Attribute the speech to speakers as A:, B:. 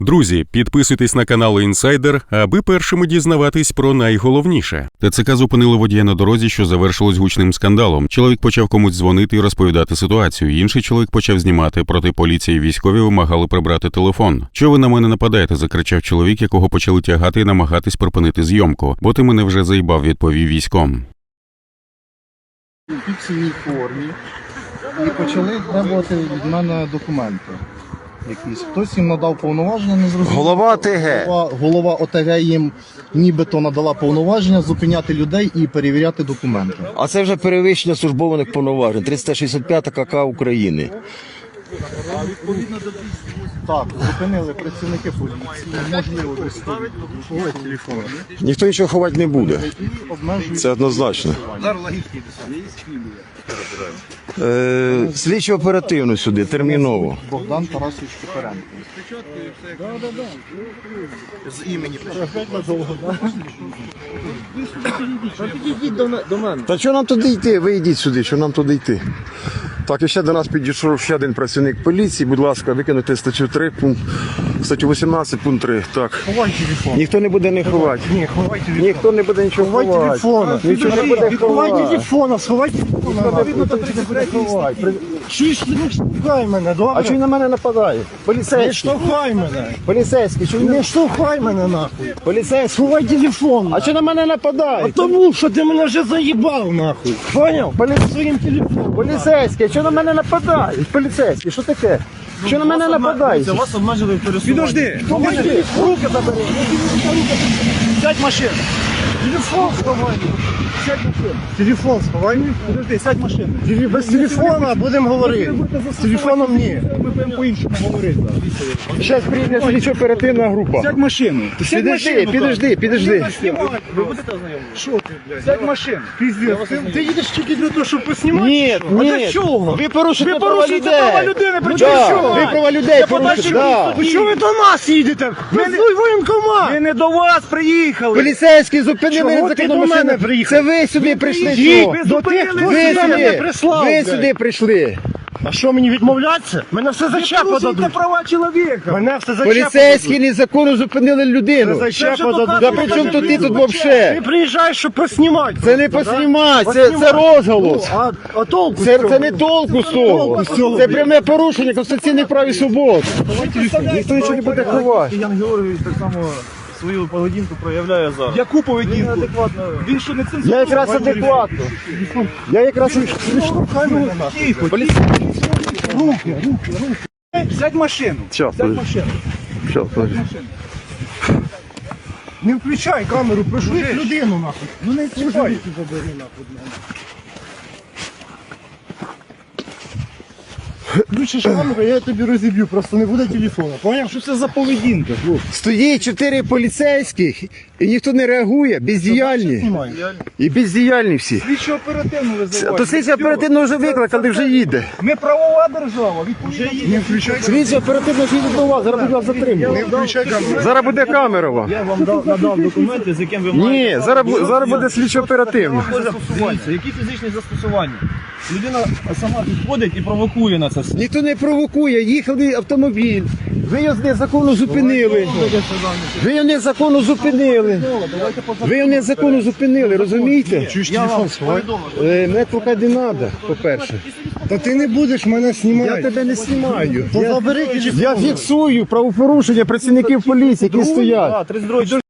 A: Друзі, підписуйтесь на канал Інсайдер, аби першими дізнаватись про найголовніше. ТЦК зупинили водія на дорозі, що завершилось гучним скандалом. Чоловік почав комусь дзвонити і розповідати ситуацію. Інший чоловік почав знімати. Проти поліції і військові вимагали прибрати телефон. «Чого ви на мене нападаєте?» – закричав чоловік, якого почали тягати і намагатись припинити зйомку. «Бо ти мене вже заїбав», – відповів військом.
B: У фіксійній формі і почали требувати від мене документи. Якісь. Хтось їм надав повноваження, не зрозуміло.
C: Голова ОТГ.
B: Голова ОТГ їм нібито надала повноваження зупиняти людей і перевіряти документи.
C: А це вже перевищення службових повноважень. 365 КК України.
B: Так, зупинили працівники поліції, можливо, ховати телефони.
C: Ніхто нічого ховати не буде. Це однозначно. Слідчо оперативно сюди, терміново.
B: Богдан Тарасович Кипаренко. З імені. Підійдіть до мене.
C: Та що нам туди йти? Ви йдіть сюди, що нам туди йти? Так, і ще до нас підійшов ще один працівник поліції. Будь ласка, викинути статтю 3, статтю 18, пункт 3. Так.
B: Ховай телефон.
C: Ніхто не буде не ховати.
B: Ні, ховай телефон.
C: Ніхто не буде нічого ховати.
B: Ховай телефона.
C: Нічого не буде
B: Ховай
C: ховати.
B: телефона, сховай телефона. Чуєш, не штовхай мене, добре?
C: А чого він на мене нападає?
B: Не
C: Поліцейський.
B: штовхай мене.
C: Поліцейський, чого він
B: Не штовхай мене нахуй.
C: Поліцейський.
B: Сховай телефон.
C: А чого на мене нападає?
B: Тому що ти мене вже заїбав нахуй. Поняв? Своїм телефоном.
C: Поліцейський, що на мене нападає? Поліцейський, що таке? Що на мене нападає?
B: Вас обмежили в пересуванні.
C: Підожди, руки забери.
B: Сядь в машину. Телефон сховай. Сядь в машину. Телефон сховай. Подожди, сядь в машину. Без телефона будемо говорити. З телефоном ні. Ми будемо по-іншому говорити.
C: Зараз прийде слідчо оперативна група.
B: Сядь в машину.
C: Підожди.
B: Ви будете ознайомлені? Що ти, блядь? Сядь в машину. Піздець. Ти їдеш тільки для того, щоб поснімати?
C: Ні,
B: А
C: ні.
B: для чого?
C: Ви порушуєте
B: права людини, при чому
C: Да,
B: що?
C: ви права людей порушуєте. Да.
B: Що ви до нас їдете? Ви воєнкомат.
D: Ми не до вас приїхали.
C: Поліцейські зупинили
B: Чого ти до мене приїхав?
C: Це ви сюди прийшли.
B: Ті,
C: що?
B: до тих, хто
C: Ви
B: сюди мене
C: сюди,
B: прислав.
C: ви
B: блядь.
C: сюди прийшли.
B: А що, мені відмовлятися? Мене все за чепа
D: Порушуйте
B: дадуть.
D: права чоловіка.
B: Мене все за
C: Поліцейські незаконно зупинили людину.
B: за чепа дадуть.
C: Да при чому тут ти тут
B: Ти
C: вовше?
B: приїжджаєш, щоб поснімати.
C: Це не поснімати, це розголос.
B: А толку з
C: Це
B: цього?
C: не толку з того.
B: Толку з цього,
C: Це
B: блядь.
C: пряме порушення конституційних прав і свобод. Ніхто нічого не буде ховати.
D: Ян Георгійович так само свою поведінку проявляє зараз.
B: Яку поведінку?
D: Він що не цензурує?
C: Я якраз адекватно. Я якраз
B: Руки.
D: Сядь в машину.
C: Щас,
D: Сядь в
C: подожди.
D: машину.
C: Щас, подожди.
B: Не включай камеру, прижми людину нахуй.
D: Ну не чіпай.
B: Включиш камеру, я тебе розіб'ю, просто не буде телефона. Поняв?
D: Що це за поведінка?
C: Стоїть 4 поліцейських і ніхто не реагує, бездіяльні.
B: Знімай.
C: І бездіяльні всі.
D: Слідчо оперативно визивають.
C: То слідчо оперативно вже викликали, вже їде.
D: Ми правова держава. Відповідно.
B: Не включай камеру.
C: Слідчо оперативно вже їде до вас, зараз буде вас
B: Не
C: затримувати.
B: включай камеру.
C: Зараз буде камера вам.
D: Я вам надав документи, з яким ви
C: Ні, зараз буде слідчо оперативно.
D: Дивіться, які фізичні застосування? Людина сама підходить і провокує на це все.
C: Ніхто не провокує, їхали автомобіль. Ви його незаконно зупинили. Ви його незаконно зупинили. Ви його незаконно зупинили, розумієте?
B: Чуєш, телефон сховай.
C: Мене трохи не треба, по-перше.
B: Та ти не будеш мене
C: Я
B: знімати.
C: тебе не знімаю.
B: То забери телефон.
C: Я фіксую правопорушення працівників поліції, які стоять.
D: 32